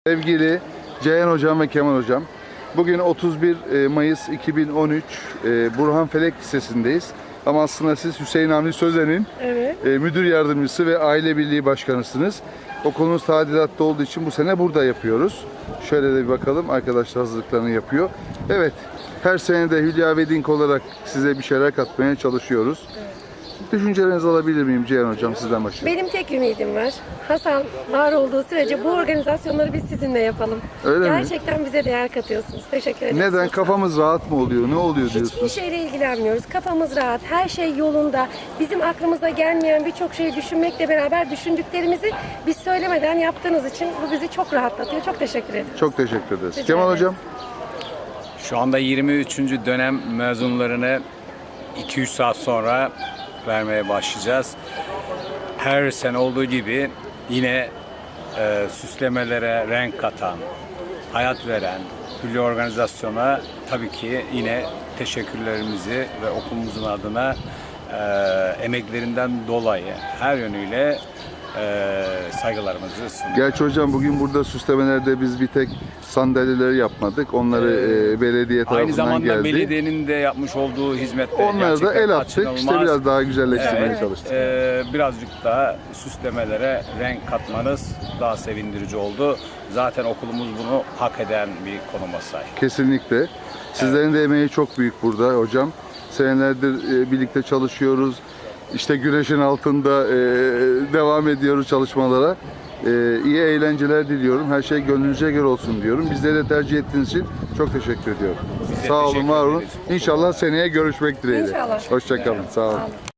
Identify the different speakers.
Speaker 1: Sevgili Ceyhan Hocam ve Kemal Hocam, bugün 31 Mayıs 2013 Burhan Felek Lisesi'ndeyiz. Ama aslında siz Hüseyin Hamdi Sözen'in müdür yardımcısı ve aile birliği başkanısınız. Okulumuz tadilatta olduğu için bu sene burada yapıyoruz. Şöyle de bir bakalım, arkadaşlar hazırlıklarını yapıyor. Evet, her sene de Hülya Wedding olarak size bir şeyler katmaya çalışıyoruz. Düşüncelerinizi alabilir miyim Ceyhan Hocam, sizden başlayalım.
Speaker 2: Benim tek ümidim var. Hasan var olduğu sürece bu organizasyonları biz sizinle yapalım.
Speaker 1: Öyle mi?
Speaker 2: Gerçekten bize değer katıyorsunuz. Teşekkür ederim.
Speaker 1: Neden? Kafamız rahat mı oluyor? Ne oluyor
Speaker 2: Hiçbir
Speaker 1: diyorsunuz?
Speaker 2: şeyle ilgilenmiyoruz. Kafamız rahat. Her şey yolunda. Bizim aklımıza gelmeyen birçok şeyi düşünmekle beraber düşündüklerimizi biz söylemeden yaptığınız için bu bizi çok rahatlatıyor. Çok teşekkür ederim.
Speaker 1: Çok teşekkür ederiz.
Speaker 2: Rica
Speaker 1: Kemal
Speaker 2: ederiz.
Speaker 1: Hocam?
Speaker 3: Şu anda 23. dönem mezunlarını 2-3 saat sonra vermeye başlayacağız. Her sene olduğu gibi yine süslemelere renk katan, hayat veren Hülya organizasyona tabii ki yine teşekkürlerimizi ve okulumuzun adına emeklerinden dolayı her yönüyle saygılarımızı sunuyoruz.
Speaker 1: Gerçi hocam bugün burada süslemelerde biz bir tek sandalyeleri yapmadık. Onları belediye tarafından
Speaker 3: Aynı zamanda
Speaker 1: geldi.
Speaker 3: belediyenin de yapmış olduğu hizmetler
Speaker 1: Onları da
Speaker 3: gerçekten
Speaker 1: el attık. İşte
Speaker 3: kaçınılmaz.
Speaker 1: biraz daha güzelleştirmeye çalıştık.
Speaker 3: Birazcık daha süslemelere renk katmanız daha sevindirici oldu. Zaten okulumuz bunu hak eden bir konuma sahip.
Speaker 1: Kesinlikle. Sizlerin de emeği çok büyük burada hocam. Senelerdir birlikte çalışıyoruz. İşte güneşin altında devam ediyoruz çalışmalara. İyi eğlenceler diliyorum. Her şey gönlünüze göre olsun diyorum. Bizleri de tercih ettiğiniz için çok teşekkür ediyorum.
Speaker 3: Biz de
Speaker 1: Sağ olun,
Speaker 3: teşekkür
Speaker 1: var olun.
Speaker 3: ederiz.
Speaker 1: İnşallah seneye görüşmek dileğiyle.
Speaker 2: İnşallah.
Speaker 1: Hoşça kalın. Sağ olun.